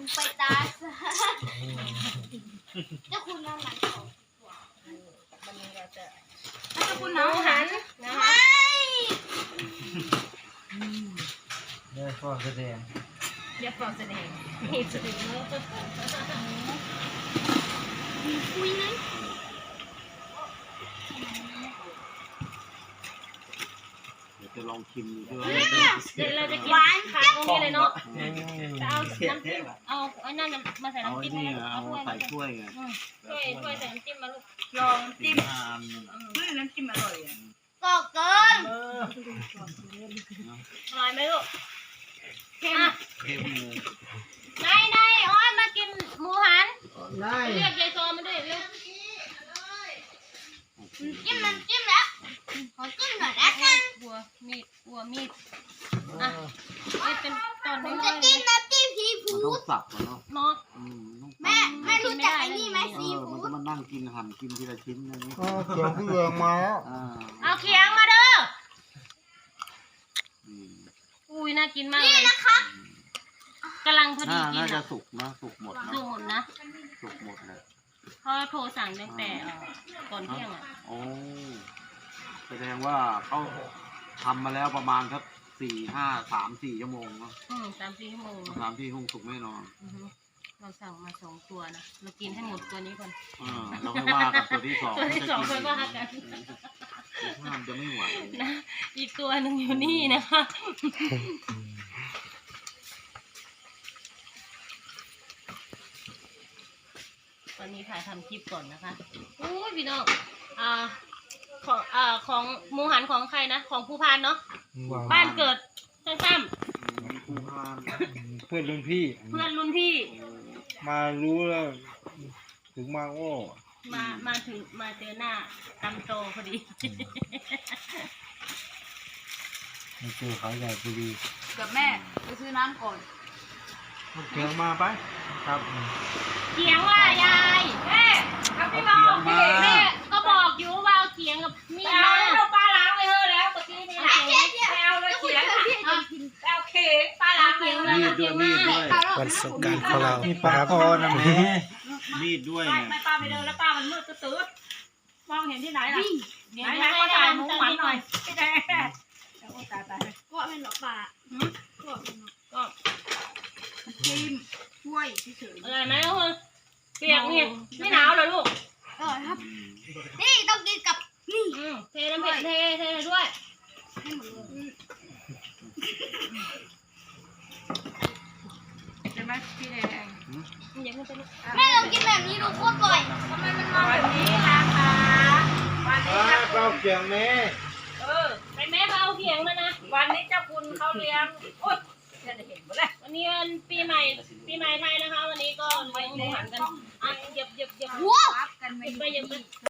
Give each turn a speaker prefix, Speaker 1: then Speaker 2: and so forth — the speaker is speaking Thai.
Speaker 1: ไปตาซะเจ้าคุณน้ำมันของวันนี้เราจะเจ้าคุณน้ำหันนะคะ
Speaker 2: เดี๋ยวฟอกแสดง
Speaker 3: เรียบร้อยแสดงนี่สุดยอด
Speaker 1: คุยนั้น
Speaker 4: เดี๋ยวจะลองชิมดูด้วย
Speaker 3: เดี๋ยวเราจะกินค้างตรงนี้เลยเนาะจะเอาน้ำจิ้มเอาไอ้นั่นมาใส่
Speaker 4: เอา
Speaker 3: น้ำ
Speaker 4: ไอ้
Speaker 3: จิ้ม
Speaker 4: นี่
Speaker 3: มา
Speaker 4: เอาใส่ถ้วยไง
Speaker 3: ถ้วยใส่น้ำจิ้มมาลูก
Speaker 5: ลองจิ้ม
Speaker 4: ห้าอันนึง
Speaker 5: น้ำจิ้มอร่อยอ่ะ
Speaker 1: ก็เกิน
Speaker 3: อร่อยไหมลูก
Speaker 1: เข้ม
Speaker 4: เข้มเลย
Speaker 3: นายอ้อยมากินหมูหัน
Speaker 2: ได้
Speaker 3: เรียกยายซอมาด้วยเร็ว
Speaker 1: จิ้มน้ำจิ้มแล้วขอจิ้มหน่อยนะกัน
Speaker 3: บัวมีดอ่ะนี่เป็นตอน
Speaker 1: ผ
Speaker 3: น้
Speaker 1: ม
Speaker 3: อ
Speaker 1: จะ
Speaker 3: ยๆเล
Speaker 1: จิ้
Speaker 3: ย
Speaker 1: มน้ำจิ้มซี
Speaker 4: มัน
Speaker 1: ฟู้
Speaker 4: ต้อง
Speaker 1: ด
Speaker 4: สับก่อนเนาะ
Speaker 3: เนาะ
Speaker 4: ต้องสับ
Speaker 1: แม่รู้จักไอ้นี่ไหมซี
Speaker 4: มัน
Speaker 1: ฟู้
Speaker 4: จะ
Speaker 1: ด
Speaker 4: มานั่งกินหั่นกินทีละชิ้นอย่างนี้
Speaker 2: เขียวพี่เองมาแล้ว
Speaker 3: เอาเคียงมาเด้อ
Speaker 4: อืม
Speaker 3: อุ้ยน่ากินมากเลย
Speaker 1: นะครับ
Speaker 3: กำลังพอดีกิน
Speaker 4: น่าจะ
Speaker 3: อ่ะ
Speaker 4: สุกนะสุกหมดนะ
Speaker 3: ดูหมดนะ
Speaker 4: สุกหมดเลย
Speaker 3: เพราะโทรสั่งตั้งแต่ก่อนเที่ยงอ่ะ
Speaker 4: โอ้แสดงว่าเขาทำมาแล้วประมาณสัก3-4 ชั่วโมงเนาะ
Speaker 3: 3-4 ชั่วโมง
Speaker 4: 3-4 ชั่วโมงสุกแน่นอน
Speaker 3: เราสั่งมา2 ตัวนะเรากินให้หมดตัวนี้ก่อน
Speaker 4: เราไม่ว่ากันตัวที่สอง
Speaker 3: ตัวที่สองค่อยว่ากัน
Speaker 4: ห้ามจะไม่ไหว
Speaker 3: นะอีกตัวหนึ่งอยู่นี่นะคะ ตอนนี้ถ่ายทำคลิปก่อนนะคะโอ้ยพี่น้องของหมูหันของใครนะของภูพานเนาะบ้านเกิดซ้ำ
Speaker 4: ผู้พาน
Speaker 2: เพื่อนรุ่นพี่
Speaker 3: ๆเพื่อนรุ่นพี่
Speaker 2: มารู้แล้ว ถึงมาโอ้
Speaker 3: มาถึงมาเจอหน้าตำโตพอดี
Speaker 2: มาเจอเขาใหญ่พอดี
Speaker 5: กับแม่ไปซื้อน้ำก่อน
Speaker 2: เขียงมาไปครับ
Speaker 3: เถียงว่ายายแม่กับพี่บอกพี่แม่ก็บอกอยู่ว่าเอาเถียงกับมีด
Speaker 5: เอา
Speaker 3: มา
Speaker 5: แล้วปลาล้างไปเถอะแล้วเมื่อกี้นี่นะไม่เอาเลยเขียงเอาเข่งปลาล้างไปเถอะ
Speaker 4: มีดด้วยมีดด้วย
Speaker 6: วันสงกรารของเรา
Speaker 2: มี
Speaker 6: นะ
Speaker 2: ปลา
Speaker 6: ครับ
Speaker 2: คอนะแม่
Speaker 4: มีดด้วย
Speaker 5: ไม่
Speaker 4: เนี่ย
Speaker 5: ไม่ปลาไปเดินแล้วปลามันมืดตื้อมองเห็นที่ไหนล่ะ
Speaker 3: เดี๋ยว
Speaker 5: ไหน
Speaker 3: ให้
Speaker 5: ก็ถ่ายหมู
Speaker 3: ทำ
Speaker 5: หมัน
Speaker 3: นิด
Speaker 5: ห
Speaker 3: ห
Speaker 5: น่
Speaker 3: น่
Speaker 5: อ
Speaker 3: อย ย
Speaker 5: แน่โอ้ตายตาย
Speaker 1: ก็เป็นหรอป่าก็เป็นหรอ
Speaker 3: ก็
Speaker 5: จิ้มช่วยเฉย
Speaker 3: อะไรไหมลูกเปียกเนี่ยไม่หนาวเหรอลูก
Speaker 1: อร่อยครับนี่ต้องกินกับนี่
Speaker 3: เทน้ำเผ็ดเทด้วย
Speaker 1: ให้หมดเลย
Speaker 5: ใช่ไหมพี่แดง
Speaker 3: อย่าเพิ่งไปลูก
Speaker 1: แม่ลองกินแบบนี้ดูโคตรบ่อยทำไมมันมา
Speaker 5: วันนี้นะคะวันนี้เจ้า
Speaker 2: เราเขียงแม่
Speaker 3: ไปแม่มาเอาเถียงมานะ
Speaker 5: วันนี้เจ้าคุณเขาเลี้ยงโอ๊ยจะเห็นหมดเลย
Speaker 3: วันนี้วันปีใหม่ไทยนะคะ วันนี้ก็เลี้ยงหมูหันกันอ่ะเหยียบ
Speaker 1: หัว
Speaker 5: กันไม่
Speaker 3: ไปเหยียบไป